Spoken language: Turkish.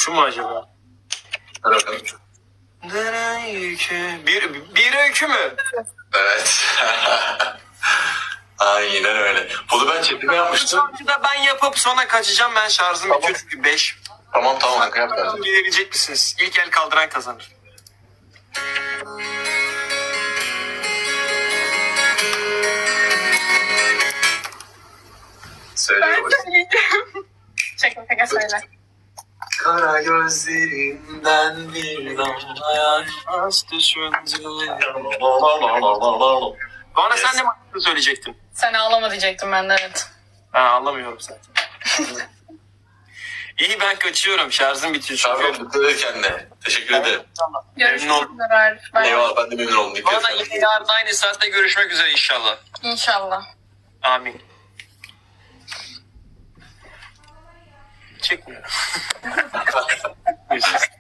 Şu mu acaba? Hadi bakalım. Bir öykü mü? Evet. Aynen öyle. Bunu ben çekime yapmıştım. Şarkıda ben yapıp sonra kaçacağım. Ben şarjım Tamam. bitiyor çünkü 5. Tamam kanka yap derdim. Gelebilecek misiniz? İlk el kaldıran kazanır. Söyle Ben babacığım. söyleyeceğim. Şaka söyle. Kara gözlerinden bir damla yaş düşünce. Bana sen de mi söyleyecektin? Sen ağlama diyecektim ben de, evet. Ben anlamıyorum zaten. İyi, ben kaçıyorum. Şarjım bitiyor çünkü. Abi dikkat et kendine. Teşekkür ederim. Görüşmek oldum. üzere. Bye. Eyvallah, ben de memnun oldum. Dikkat Bana et. yine yarın aynı saatte görüşmek üzere inşallah. İnşallah. Amin. Çekmiyorum. Görüşürüz.